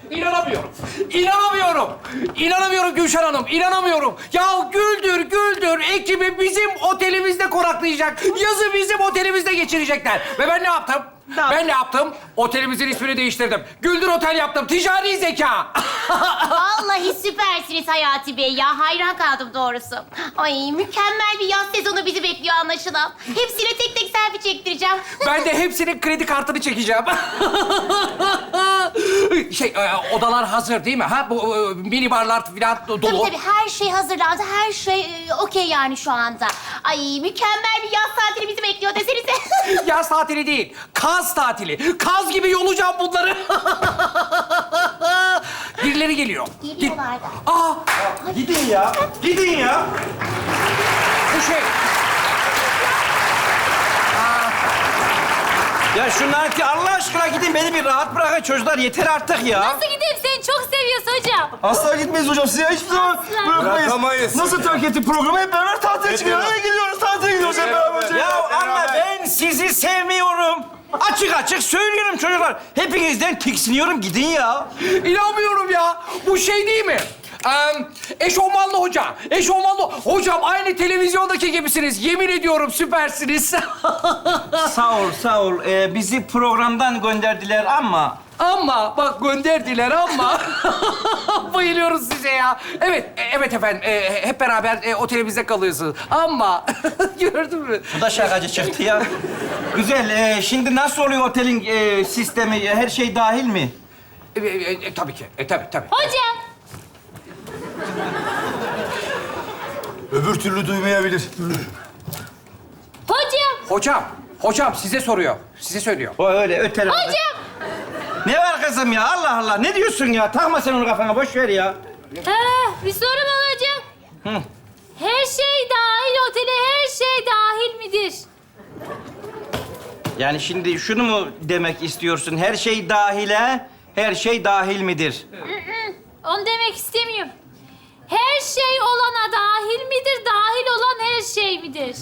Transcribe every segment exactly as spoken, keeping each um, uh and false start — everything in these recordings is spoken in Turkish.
İnanamıyorum. İnanamıyorum. İnanamıyorum Gülşen Hanım. İnanamıyorum. Ya Güldür, Güldür ekibi bizim otelimizde konaklayacak. Yazı bizim otelimizde geçirecekler. Ve ben ne yaptım? Ne yaptın? Ben ne yaptım? Otelimizin ismini değiştirdim. Güldür Otel yaptım. Ticari zeka. Vallahi süpersiniz Hayati Bey ya. Hayran kaldım doğrusu. Ay mükemmel bir yaz sezonu bizi bekliyor anlaşılan. Hepsine tek tek selfie çektireceğim. Ben de hepsinin kredi kartını çekeceğim. şey, e, odalar hazır değil mi? Ha, bu e, mini barlar falan dolu. Tabii tabii her şey hazırlandı. Her şey e, okey yani şu anda. Ay mükemmel bir yaz tatili bizi bekliyor desenize. Yaz tatili değil, kaz tatili. Kaz gibi yolacağım bunları. Birileri geliyor. Geliyorlar da. Aa, Gidin ya. Gidin ya. bu şey. Ya şunlar ki Allah aşkına gidin beni bir rahat bırakın çocuklar yeter artık ya. Nasıl gideyim? Seni çok seviyorsun hocam. Asla gitmeyiz hocam. Size hiçbir zaman bırakmayız. Bırakamayız. Nasıl terk ettik programı? Hep beraber tatile çıkıyoruz. Nereye gidiyoruz? Tatile gidiyoruz hep beraber hocam. Ya ama ben sizi sevmiyorum. Açık açık söylüyorum çocuklar. Hepinizden tiksiniyorum gidin ya. İnanmıyorum ya. Bu şey değil mi? Ee, eşofmanlı hoca. Eşofmanlı. Hocam aynı televizyondaki gibisiniz. Yemin ediyorum süpersiniz. Sağ ol sağ ol. Ee, bizi programdan gönderdiler ama... Ama bak gönderdiler ama bayılıyoruz size ya. Evet, e- evet efendim. E, hep beraber e, otelimizde kalıyorsunuz. Ama gördün mü? Bu da şakacı çıktı ya. Güzel. ee, şimdi nasıl oluyor otelin ee, sistemi? Her şey dahil mi? E, e, e, tabii ki. E, tabii tabii. Hocam. Öbür türlü duymayabilir. Hocam. Hocam, hocam size soruyor. Size söylüyor. O öyle öteler. Hocam. Ne var kızım ya? Allah Allah. Ne diyorsun ya? Takma sen onu kafana. Boş ver ya. Ee, bir sorum olacak. Hı. Her şey dahil otele her şey dahil midir? Yani şimdi şunu mu demek istiyorsun? Her şey dahile, her şey dahil midir? Onu demek istemiyorum. Her şey olana dahil midir? Dahil olan her şey midir?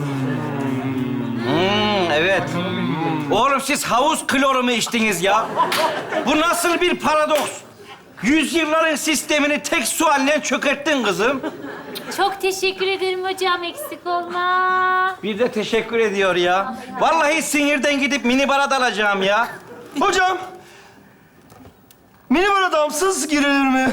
Hmm, evet. Oğlum siz havuz kloru mu içtiniz ya? Bu nasıl bir paradoks? Yüzyılların sistemini tek sualle çökerttin kızım. Çok teşekkür ederim hocam. Eksik olma. Bir de teşekkür ediyor ya. Vallahi sinirden gidip minibara dalacağım ya. Hocam. Minibar damsız girilir mi?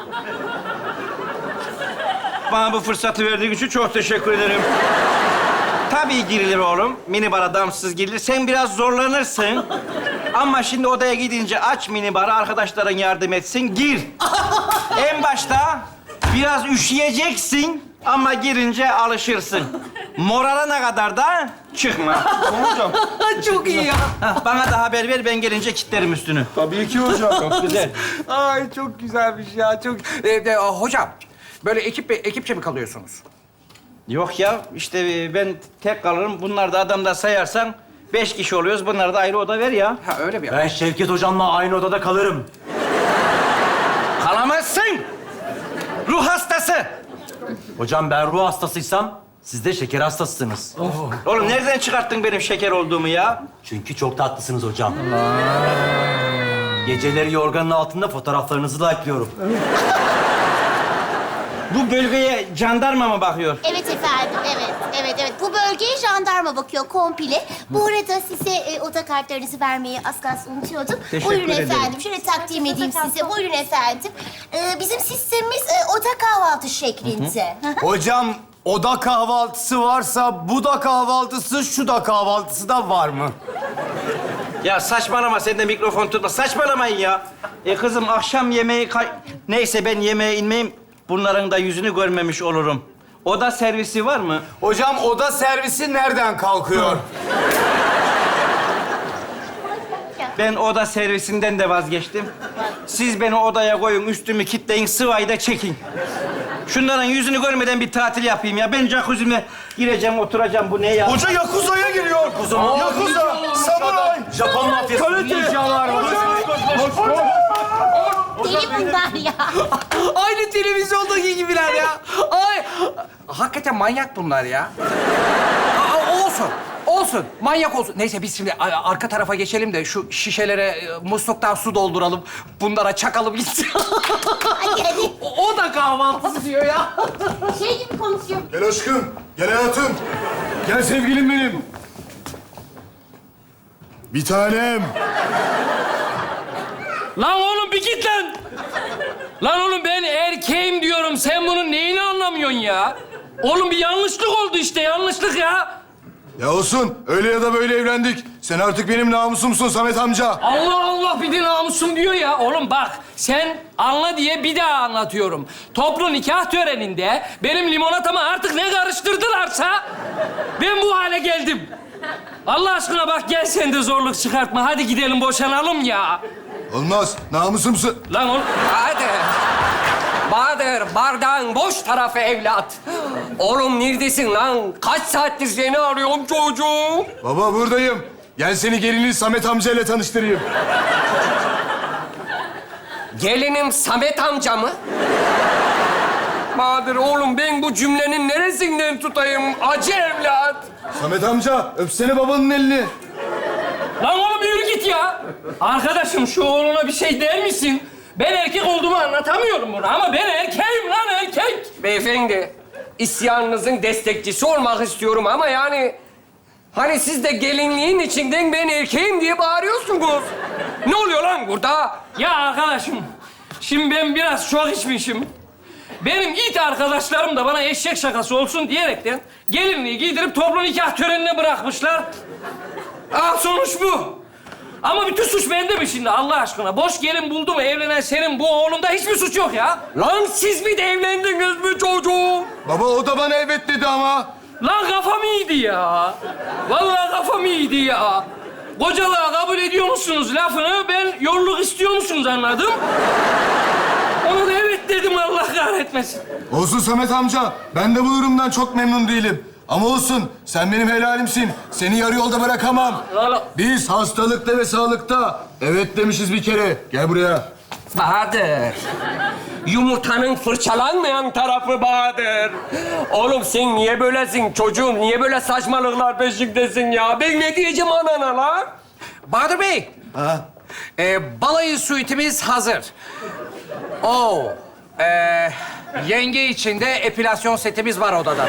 Bana bu fırsatı verdiğin için çok teşekkür ederim. Tabii girilir oğlum. Minibara damsız girilir. Sen biraz zorlanırsın. Ama şimdi odaya gidince aç minibarı, arkadaşların yardım etsin, gir. En başta biraz üşüyeceksin ama girince alışırsın. Morarana kadar da çıkma. Hocam. Çok iyi ya. Hah, bana da haber ver, ben gelince kilitlerim üstünü. Tabii ki hocam. Çok güzel. Ay çok güzelmiş ya. Çok. E, de, hocam, böyle ekip ekipçe mi kalıyorsunuz? Yok ya, işte e, ben tek kalırım. Bunlar da adamda sayarsan beş kişi oluyoruz. Bunlara da ayrı oda ver ya. Ha öyle mi? Ben Şevket hocamla aynı odada kalırım. Kalamazsın. Ruh hastası. Hocam ben ruh hastasıysam siz de şeker hastasısınız. Oğlum nereden çıkarttın benim şeker olduğumu ya? Çünkü çok tatlısınız hocam. Geceleri yorganın altında fotoğraflarınızı like'lıyorum. Bu bölgeye jandarma mı bakıyor? Evet efendim, evet, evet, evet. Bu bölgeye jandarma bakıyor komple. Bu arada size e, oda kartlarınızı vermeyi az kalsın unutuyordum. Teşekkür Buyurun ederim. efendim, şöyle takdim edeyim size. Buyurun efendim. Ee, bizim sistemimiz e, oda kahvaltı şeklinde. Hocam oda kahvaltısı varsa bu da kahvaltısı, şu da kahvaltısı da var mı? Ya saçmalama, sen de mikrofon tutma. Saçmalamayın ya. E kızım akşam yemeği... kay- Neyse ben yemeğe inmeyeyim. Bunların da yüzünü görmemiş olurum. Oda servisi var mı? Hocam oda servisi nereden kalkıyor? Ben oda servisinden de vazgeçtim. Siz beni odaya koyun, üstümü kilitleyin, sıvayı da çekin. Şunların yüzünü görmeden bir tatil yapayım ya. Ben jacuzzi'me gireceğim, oturacağım. Bu ne ya? Hoca Yakuza'ya giriyor. Yakuza. Yakuza. Samuray. Japon mafyası. Ninjalar var. Deli bunlar ya. Aynı televizyondaki gibiler ya. Ay, hakikaten manyak bunlar ya. Aa, olsun, olsun. olsun, manyak olsun. Neyse biz şimdi a- arka tarafa geçelim de şu şişelere e, musluktan su dolduralım. Bunlara çakalım gitsin. Hadi hadi. o, o da kahvaltısı diyor ya. Şey gibi konuşuyor. Gel aşkım, gel hayatım. Gel sevgilim benim. Bir tanem. Lan oğlum bir git lan. Lan oğlum ben erkeğim diyorum. Sen bunun neyini anlamıyorsun ya? Oğlum bir yanlışlık oldu işte. Yanlışlık ya. Ya olsun, öyle ya da böyle evlendik. Sen artık benim namusumsun Samet amca. Allah Allah bir de namusum diyor ya. Oğlum bak sen anla diye bir daha anlatıyorum. Toplu nikah töreninde benim limonatama artık ne karıştırdılarsa ben bu hale geldim. Allah aşkına bak gel sen de zorluk çıkartma. Hadi gidelim boşanalım ya. Olmaz, namusumsun. Lan oğlum. Hadi. Bahadır, bardağın boş tarafı evlat. Oğlum neredesin lan? Kaç saattir seni arıyorum çocuğum. Baba buradayım. Gel seni gelinin Samet amca ile tanıştırayım. Gelinim Samet amca mı? Bahadır oğlum ben bu cümlenin neresinden tutayım? Acı evlat. Samet amca, öpsene babanın elini. Lan oğlum yürü git ya. Arkadaşım şu oğluna bir şey der misin? Ben erkek olduğumu anlatamıyorum bunu ama ben erkeğim lan erkek. Beyefendi, isyanınızın destekçisi olmak istiyorum ama yani... Hani siz de gelinliğin içinden ben erkeğim diye bağırıyorsunuz. Ne oluyor lan burada? Ya arkadaşım, şimdi ben biraz çok içmişim. Benim it arkadaşlarım da bana eşek şakası olsun diyerekten gelinliği giydirip toplu nikah törenine bırakmışlar. Ah sonuç bu. Ama bütün suç bende mi şimdi Allah aşkına? Boş gelin buldu mu evlenen senin bu oğlunda hiçbir suç yok ya. Lan siz bir de evlendiniz mi çocuğum? Baba o da bana evet dedi ama. Lan kafam iyiydi ya. Vallahi kafam iyiydi ya. Kocalığa kabul ediyor musunuz lafını? Ben yolluk istiyor musunuz anladım. Ona da evet dedim Allah kahretmesin. Olsun Samet amca, ben de bu durumdan çok memnun değilim. Ama olsun, sen benim helalimsin. Seni yarı yolda bırakamam. Valla- Biz hastalıkta ve sağlıkta evet demişiz bir kere. Gel buraya. Bahadır. Yumurtanın fırçalanmayan tarafı Bahadır. Oğlum sen niye böylesin çocuğum? Niye böyle saçmalıklar peşindesin ya? Ben ne diyeceğim anana lan? Bahadır Bey. Ha? Ee, balayı suitimiz hazır. Oo. Ee, yenge için de epilasyon setimiz var odada.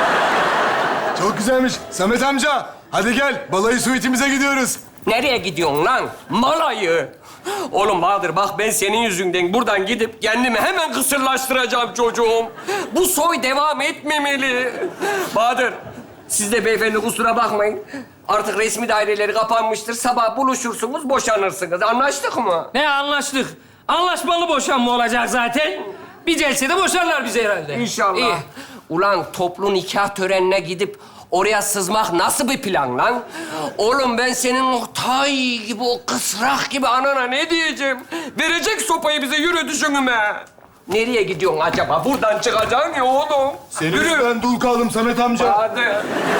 Çok güzelmiş. Samet amca, hadi gel. Balayı suitimize gidiyoruz. Nereye gidiyorsun lan? Malayı. Oğlum Bahadır bak ben senin yüzünden buradan gidip kendimi hemen kısırlaştıracağım çocuğum. Bu soy devam etmemeli. Bahadır, siz de beyefendi kusura bakmayın. Artık resmi daireleri kapanmıştır. Sabah buluşursunuz, boşanırsınız. Anlaştık mı? Ne anlaştık? Anlaşmalı boşanma olacak zaten. Bir celsede boşarlar bizi herhalde. İnşallah. İyi. Ulan toplu nikah törenine gidip oraya sızmak nasıl bir plan lan? Oğlum ben senin o tay gibi, o kısrak gibi anana ne diyeceğim? Verecek sopayı bize yürü düşünüme. Nereye gidiyorsun acaba? Buradan çıkacaksın ya oğlum. Senin yüzünden dul kaldım Samet amca. Hadi.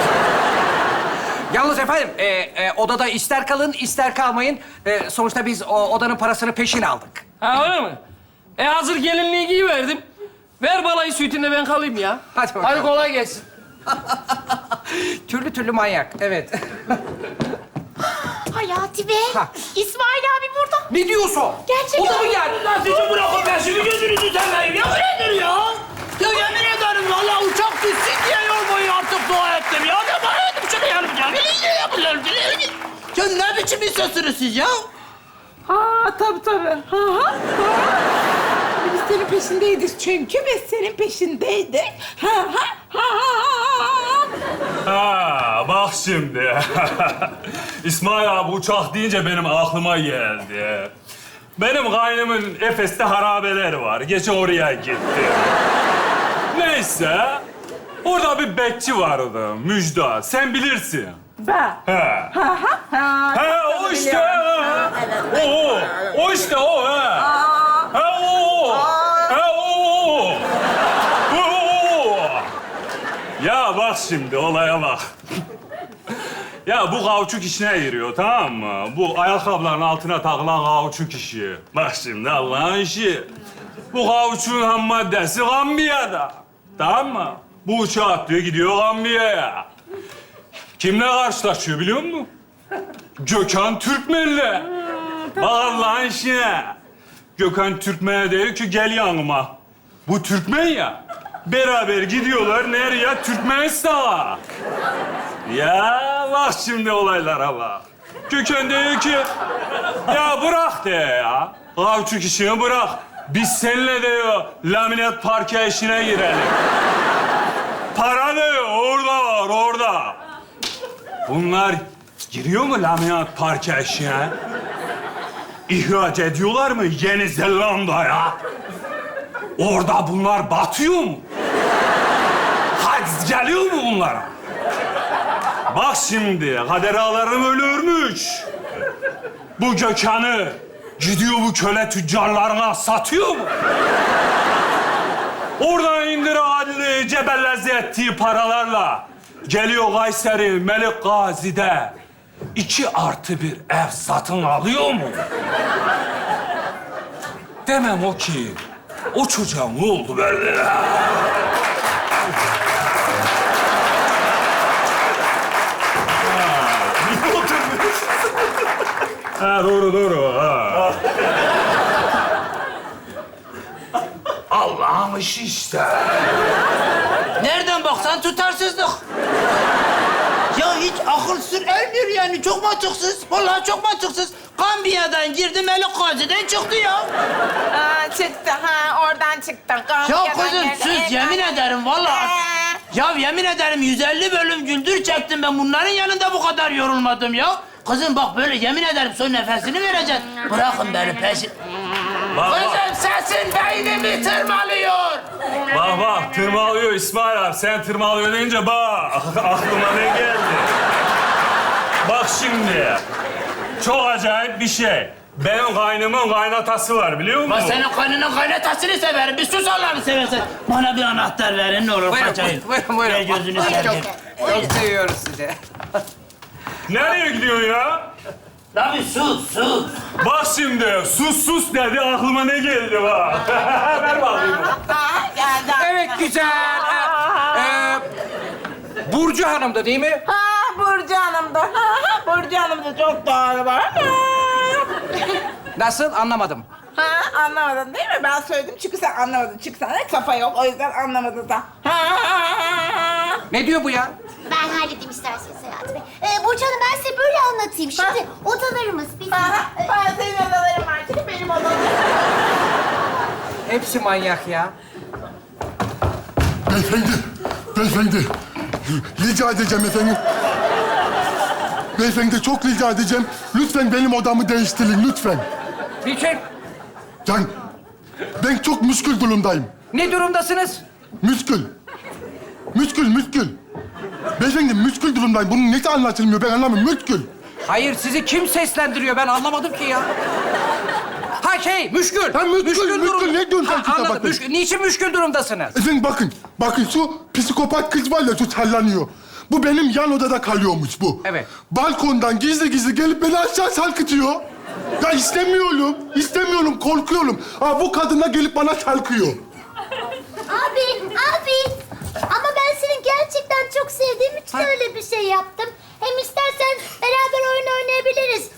Yalnız efendim, e, e, odada ister kalın, ister kalmayın. E, sonuçta biz o odanın parasını peşin aldık. Ha öyle mi? E hazır gelinliği giyiverdim. Ver balayı sütünde ben kalayım ya. Hadi bakalım. Hadi kolay gelsin. Türlü türlü manyak, evet. Hayati Bey. Ha. İsmail abi burada. Ne diyorsun? Gerçekten. O da mı geldi? Lan sizi bırakın ben şimdi gözünüzü seveyim. Ya nedir ya? Ya yemin ederim vallahi uçak gitsin diye yol boyu artık dua ettim ya. Ne dua ettim şunu yanım ya. Ne yapıyorlar? Ya ne biçim insansınız siz ya? Ha tabii tabii. Ha, ha, ha. Biz senin peşindeydik çünkü biz senin peşindeydik. Ha ha ha ha. Ha, bak şimdi. İsmail abi uçak deyince benim aklıma geldi. Benim kaynımın Efes'te harabeler var. Gece oraya gittim. Neyse. Orada bir bekçi vardı. Müjdat. Sen bilirsin. Ben. He. Ha ha ha. He o işte. Ha. O o. O işte o. He. He o. He o. O. Ya bak şimdi olaya bak. Ya bu kauçuk işine giriyor tamam mı? Bu ayakkabıların altına takılan kauçuk işi. Bak şimdi Allah'ın işi. Bu kauçuğun ham maddesi Gambiya'da. Tamam mı? Bu uçağı atlıyor gidiyor Gambiya'ya. Kimle karşılaşıyor biliyor musun? Gökhan Türkmen'le. Bak Allah'ın işine. Gökhan Türkmen'e diyor ki gel yanıma. Bu Türkmen ya. Beraber gidiyorlar nereye? Türkmenistan'a. Ya bak şimdi olaylara bak. Gökhan diyor ki ya bırak de ya. Kavçuk işini bırak. Biz seninle diyor laminat parke işine girelim. Para diyor orada var orada. Bunlar giriyor mu laminat parke işine? İhraç ediyorlar mı Yeni Zelanda'ya? Orada bunlar batıyor mu? Hac geliyor mu bunlara? Bak şimdi kader ağalarım ölürmüş. Bu Gökhan'ı gidiyor bu köle tüccarlarına satıyor mu? Oradan indir adli cebellezi ettiği paralarla geliyor Kayseri Melik Gazi'de iki artı bir ev satın alıyor mu? Demem o ki o çocuğa ne oldu böyle? Ha, doğru doğru. Ha. Allah'ım işi işte. Nereden baksan tutarsızlık. Ya hiç akıl sır ermiyor yani. Çok mantıksız. Vallahi çok mantıksız. Gambiya'dan girdi, Melik Gazi'den çıktı ya. Aa, çıktı ha, oradan çıktı. Ya kızım sus, yemin ederim vallahi. Ya yemin ederim yüz elli bölüm güldür çektim ben. Bunların yanında bu kadar yorulmadım ya. Kızım bak böyle yemin ederim son nefesini vereceksin. Bırakın beni peşin. Bak bak, Kızım sesin beynimi tırmalıyor. bak bak tırmalıyor İsmail abi. Sen tırmalıyor deyince bak aklıma ne geldi? Bak şimdi çok acayip bir şey. Benim kaynımın kaynatası var biliyor musun? Bak senin kaynının kaynatasını severim. Bir sus Allah'ını seversen. Bana bir anahtar verin ne olur Buyurun, kaçayım. buyurun, buyurun. Gel gözünü Çok, seveyim. çok seviyoruz sizi. Nereye gidiyorsun ya? Tabii sus sus. Bak şimdi sus sus dedi aklıma ne geldi bak. Ver bakayım. Geldi. Evet, güzel. Ee, Burcu Hanım'dı değil mi? Ha, Burcu Hanım da. Ha, ha, Burcu Hanım da çok doğru var. Nasıl? Anlamadım. Ha, anlamadın değil mi? Ben söyledim çünkü sen anlamadın. Çünkü sende kafa yok, o yüzden anlamadın da. Ha, ha, ha. Ne diyor bu ya? Ben halledeyim isterseniz Hayati Bey. Ee, Burcu Hanım ben size böyle anlatayım. Şimdi odalarımız bizim... Ha, ben senin odaların var çünkü benim odam. Hepsi manyak ya. Beyefendi, beyefendi. Rica edeceğim efendim. Beyefendi çok rica edeceğim. Lütfen benim odamı değiştirin, lütfen. Niçin? Yani ben çok müşkül durumdayım. Ne durumdasınız? Müşkül. Müşkül, müşkül. Beyefendi müşkül durumdayım. Bunun nesi anlatılmıyor ben anlamıyorum. Müşkül. Hayır, sizi kim seslendiriyor? Ben anlamadım ki ya. Ha şey, müşkül. Ha, müşkül, müşkül. Ne diyorsun sen Ha, kitap anladım. hakkında? Müşkül. Niçin müşkül durumdasınız? Efendim bakın, bakın şu psikopat kız var ya şu sallanıyor. Bu benim yan odada kalıyormuş bu. Evet. Balkondan gizli gizli gelip beni aşağı sarkıtıyor. Ya istemiyorum, istemiyorum, korkuyorum. Ha bu kadına gelip bana sarkıyor. Abi, abi. Ama ben seni gerçekten çok sevdiğim için Ha. öyle bir şey yaptım. Hem istersen beraber oyun oynayabiliriz.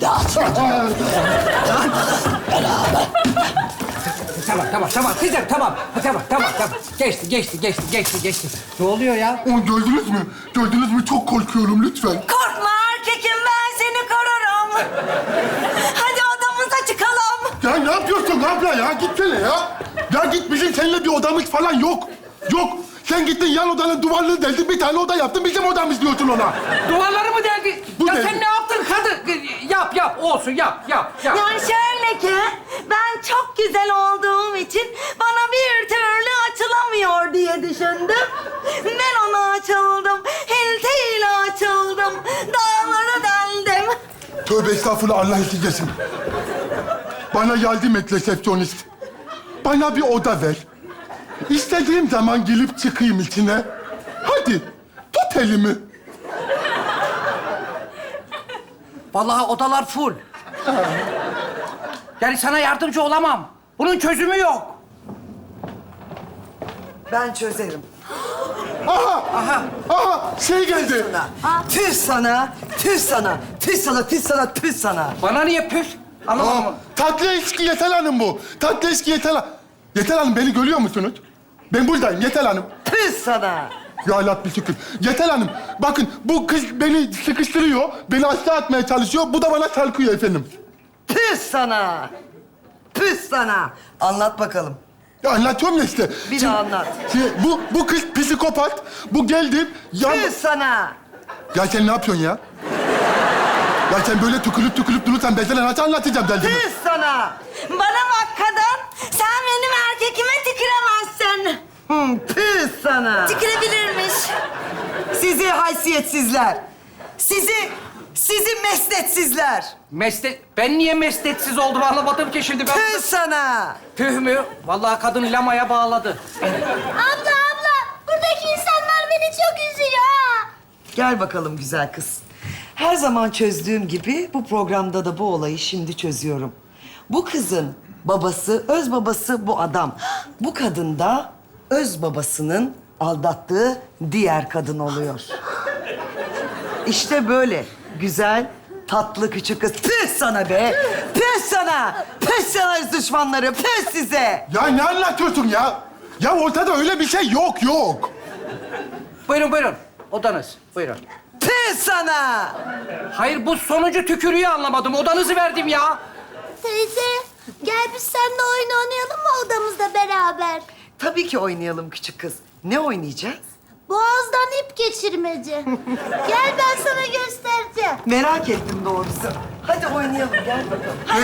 Tamam, tamam, tamam. Kızım, tamam. Ha, tamam, tamam, tamam. Geçti, geçti, geçti, geçti, geçti. Ne oluyor ya? O gördünüz mü? Gördünüz mü? Çok korkuyorum lütfen. Korkma erkekim, ben seni korurum. Hadi odamıza çıkalım. Ya ne yapıyorsun abla ya? Gitsene ya. Ya git bizim seninle bir odamız falan yok. Yok. Sen gittin yan odanın duvarını deldin, bir tane oda yaptın. Bizim odamız diyorsun ona. Duvarları mı deldi? Bu ya deldi. sen ne yaptın kadın? Yap, yap. Olsun, yap, yap, yap. Yani şöyle ki, ben çok güzel olduğum için bana bir türlü açılamıyor diye düşündüm. Ben ona açıldım, hiltiyle açıldım, dağlara deldim. Tövbe estağfurullah, Allah esirgesin. Bana yardım et resepsiyonist. Bana bir oda ver. İstediğim zaman gelip çıkayım içine. Hadi, tut elimi. Vallahi odalar full. Yani sana yardımcı olamam. Bunun çözümü yok. Ben çözerim. Aha! Aha! Aha! Şey geldi. Tüh sana, tüh sana, tüh sana, tüh sana, tüh sana. Bana niye püf? Anlamadım. Aa, tatlı eski Yetel Hanım bu. Tatlı eski Yetel Hanım. Yetel Hanım beni görüyor musunuz? Ben buradayım Yetel Hanım. Tüh sana. Ya Rabbi şükür. Yetel Hanım, bakın bu kız beni sıkıştırıyor, beni aşağı atmaya çalışıyor. Bu da bana sarkıyor efendim. Tüh sana. Tüh sana. Anlat bakalım. Ya anlatıyorum ya işte. Bir daha anlat. Şimdi, bu, bu kız psikopat. Bu geldi. Ya, Tüh sana. ya sen ne yapıyorsun ya? Ya sen böyle tükürüp tükürüp durursan ben sana nasıl anlatacağım derdimi? Tüh sana. Bana bak kadın. Sen benim erkekime tüküremezsin. Hmm, tüh sana. Tükürebilirmiş. Sizi haysiyetsizler. Sizi, sizi mesnetsizler. Mesle... Ben niye mesletsiz oldum anlamadım ki şimdi ben. Tüh sana. Tüh mü? Vallahi kadın lamaya bağladı. Abla abla buradaki insanlar beni çok üzüyor ha. Gel bakalım güzel kız. Her zaman çözdüğüm gibi bu programda da bu olayı şimdi çözüyorum. Bu kızın babası, öz babası bu adam. Bu kadın da öz babasının aldattığı diğer kadın oluyor. İşte böyle güzel, tatlı küçük kız. Püh sana be! Püh sana! Püh sana öz düşmanları! Püh size! Ya ne anlatıyorsun ya? Ya ortada öyle bir şey yok, yok. Buyurun buyurun. Odanız. Buyurun. Püh sana! Hayır bu sonucu tükürüğü anlamadım. Odanızı verdim ya. Teyze gel biz seninle oyun oynayalım mı odamızda beraber? Tabii ki oynayalım küçük kız. Ne oynayacağız? Boğazdan ip geçirmeci. Gel ben sana göstereceğim. Merak ettim doğrusu. Hadi oynayalım, gel bakalım.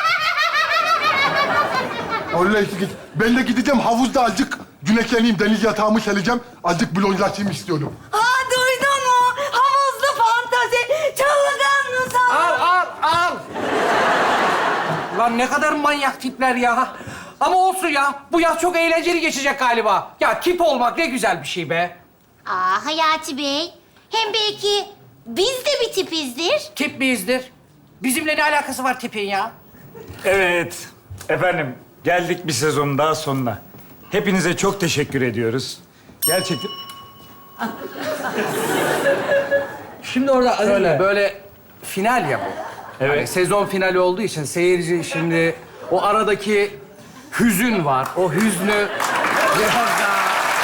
Allah git. Ben de gideceğim havuzda azıcık güneşleneyim, deniz yatağımı sereceğim. Azıcık blonjlaşayım istiyorum. Aa duydun mu? Havuzlu fantazi. Çılgın mısın? Al al al. Lan ne kadar manyak tipler ya. Ama olsun ya. Bu yaz çok eğlenceli geçecek galiba. Ya tip olmak ne güzel bir şey be. Aa Hayati Bey. Hem belki biz de bir tipizdir. Tip miyizdir? Bizimle ne alakası var tipin ya? Evet. Efendim, geldik bir sezonun daha sonuna. Hepinize çok teşekkür ediyoruz. Gerçekten... Şimdi orada Öyle. böyle final ya bu. Evet. Hani sezon finali olduğu için seyirci şimdi o aradaki hüzün var. O hüznü biraz daha...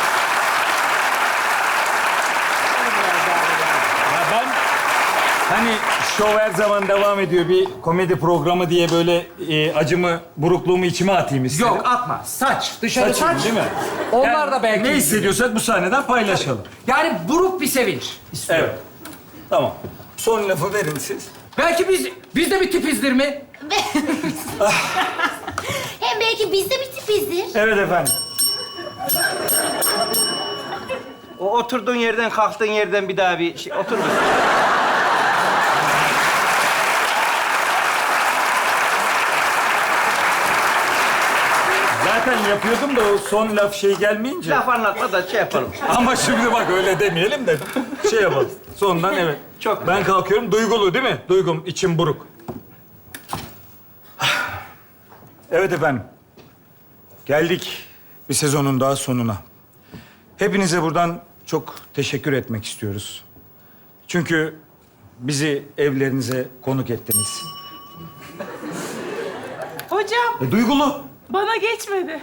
Ya ben hani şov her zaman devam ediyor. Bir komedi programı diye böyle e, acımı, burukluğumu içime atayım istedim. Yok atma. Saç. Dışarı Saçım, saç. değil mi? Onlar Yani da belki... Ne hissediyorsak bu sahneden paylaşalım. Yani buruk bir sevinç istiyorum. Evet. Tamam. Son lafı verin siz. Belki biz, biz de bir tipizdir mi? Hem belki biz de bir tipizdir. Evet efendim. O oturduğun yerden, kalktığın yerden bir daha bir şey... Otur. Zaten yapıyordum da o son laf şey gelmeyince. Laf anlatma da şey yapalım. Ama şimdi bak öyle demeyelim de şey yapalım. Sondan evet. Çok Ben kalkıyorum. Duygulu değil mi? Duygum, içim buruk. Evet efendim. Geldik bir sezonun daha sonuna. Hepinize buradan çok teşekkür etmek istiyoruz. Çünkü bizi evlerinize konuk ettiniz. Hocam E, duygulu. bana geçmedi.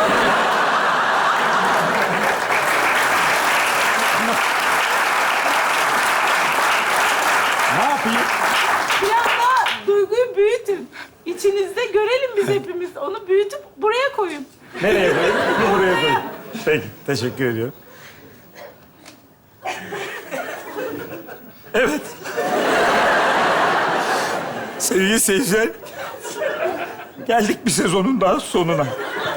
Ne yapayım? Biraz daha duyguyu büyütün. İçinizde görelim biz hepimiz. Onu büyütüp buraya koyun. Nereye koyayım? Buraya koyayım. Peki, teşekkür ediyorum. Evet. Sevgili seyirciler, geldik bir sezonun daha sonuna.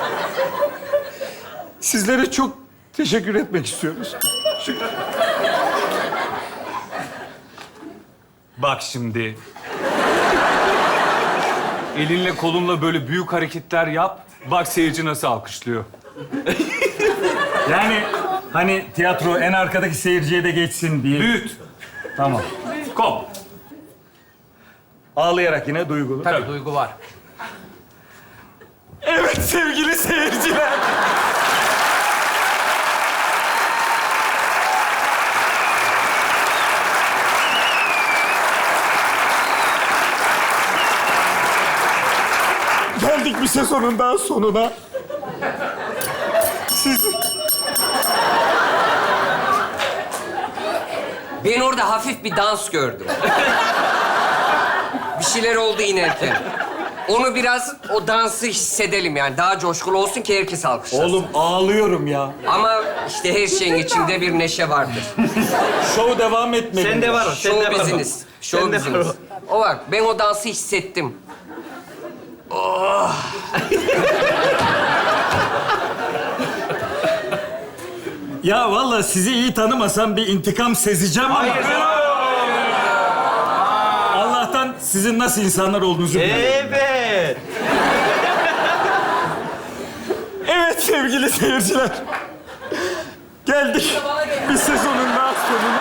Sizlere çok teşekkür etmek istiyoruz. Çünkü... Bak şimdi. Elinle kolunla böyle büyük hareketler yap. Bak seyirci nasıl alkışlıyor. Yani hani tiyatro en arkadaki seyirciye de geçsin diye. Büyüt. Tamam. Kop. Ağlayarak yine duygulu. Tabii, duygu var. Evet sevgili seyirciler. bir sezonun daha sonuna. Siz... Ben orada hafif bir dans gördüm. Bir şeyler oldu inerken. Onu biraz, o dansı hissedelim yani. Daha coşkulu olsun ki herkes alkışlasın. Oğlum ağlıyorum ya. Ama işte her şeyin içinde bir neşe vardır. Şov devam etmeli. Sende var o, sende Show var o. biziniz. Show Sende var biziniz. o. O bak, ben o dansı hissettim. Oh. Ya vallahi sizi iyi tanımasam bir intikam sezeceğim ama... Hayır. Allah'tan sizin nasıl insanlar olduğunuzu biliyorum. Evet. Evet sevgili seyirciler. Geldik bir sezonun daha sonuna.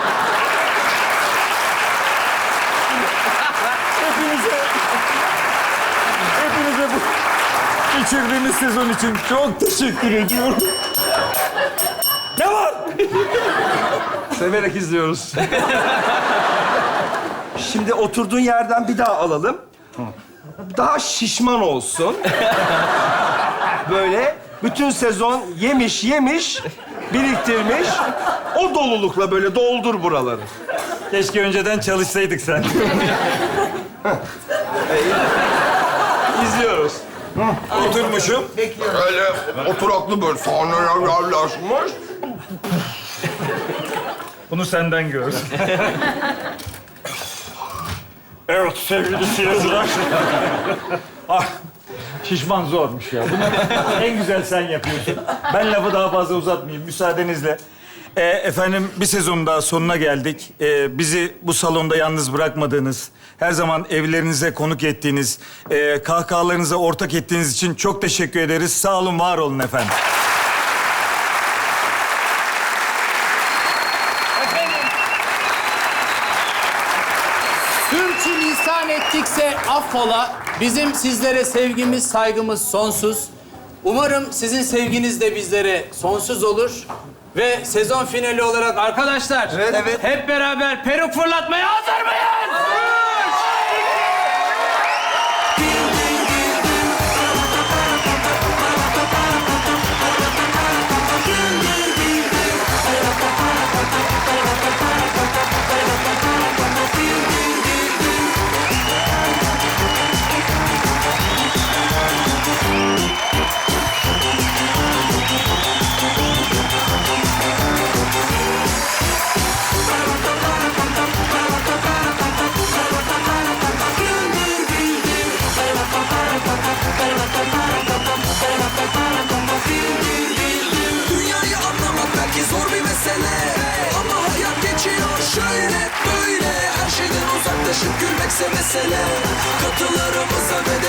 Hepinize... Hepinize bu geçirdiğimiz sezon için çok teşekkür ediyorum. Ne var? Severek izliyoruz. Şimdi oturduğun yerden bir daha alalım. Daha şişman olsun. Böyle bütün sezon yemiş yemiş, biriktirmiş. O dolulukla böyle doldur buraları. Keşke önceden çalışsaydık sen. İzliyoruz. Oturmuşum. Öyle oturaklı böyle sahneler yerleşmiş. Bunu senden gör. Evet sevgili seyirciler. Ah, şişman zormuş ya. Bunu en güzel sen yapıyorsun. Ben lafı daha fazla uzatmayayım müsaadenizle. Ee, efendim bir sezonun daha sonuna geldik. Ee, bizi bu salonda yalnız bırakmadığınız, her zaman evlerinize konuk ettiğiniz, e, kahkahalarınıza ortak ettiğiniz için çok teşekkür ederiz. Sağ olun, var olun efendim. Sürçülisan ettikse affola. Bizim sizlere sevgimiz, saygımız sonsuz. Umarım sizin sevginiz de bizlere sonsuz olur. Ve sezon finali olarak arkadaşlar, Evet, evet. hep beraber peruk fırlatmaya hazır mıyız? Dünyayı anlamak belki zor bir mesele, ama hayat geçiyor şöyle böyle. Her şeyden uzaklaşıp gülmekse mesele. Katılarımıza ve de